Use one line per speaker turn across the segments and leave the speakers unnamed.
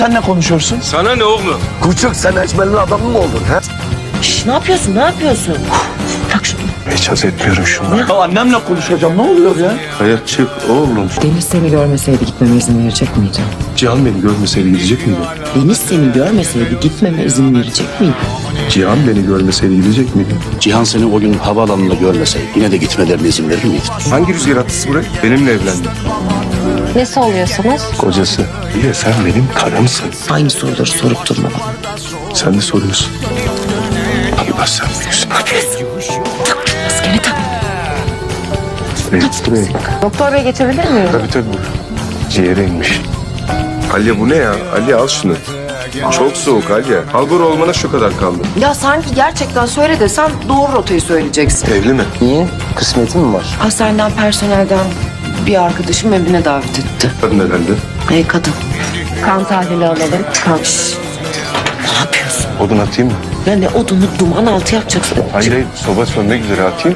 Sen ne konuşuyorsun?
Sana ne oğlum?
Küçük sen eşmelin adamı mı oldun ha?
Şş, ne yapıyorsun? Ne yapıyorsun? Bırak şunu.
Hiç etmiyorum şunu.
Ya annemle konuşacağım ne oluyor ya?
Hayat çık oğlum.
Deniz seni görmeseydi gitmeme izin verecek miydi?
Cihan beni görmeseydi gidecek miydi?
Deniz seni görmeseydi gitmeme izin verecek miydi?
Cihan beni görmeseydi gidecek miydi?
Cihan seni o gün havaalanında görmeseydi yine de gitmelerine izin verir miydi?
Hangi rüzgar attısı buraya? Benimle evlendi.
Nesi oluyorsunuz?
Kocası. Bir de sen benim karımsın.
Aynı soruları sorup durma bana.
Sen de soruyorsun. Allah sen büyüksün.
Maskeni tak.
Buraya.
Doktor bey geçebilir miyim?
Tabii. Ciğere inmiş. Alya bu ne ya? Alya al şunu. Çok soğuk Alya. Halbur olmana şu kadar kaldı.
Ya sanki gerçekten söyle desem doğru rotayı söyleyeceksin.
Evli mi?
Niye? Kısmeti mi var?
Hastaneden personelden bir arkadaşım evine davet etti.
Kadın herhalde.
Hey kadın.
Kan tahlili alalım.
Kalk. Şş. Ne yapıyorsun?
Odun atayım mı?
Ya ne odunu duman altı yapacaksın.
Hayır, soba sönmek üzere atayım.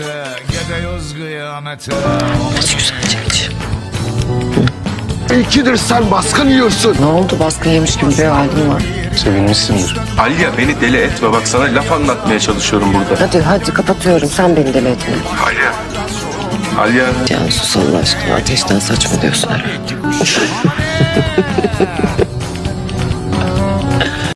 Aç güzelce aç.
İkidir sen baskın yiyorsun.
Ne oldu baskın yemiş gibi bir halin var.
Sevinmişsindir. Alya beni deli etme. Bak sana laf anlatmaya çalışıyorum burada.
Hadi kapatıyorum sen beni deli etme.
Alya. Alya.
Cansu Allah aşkına ateşten saçmalıyorsun herhalde.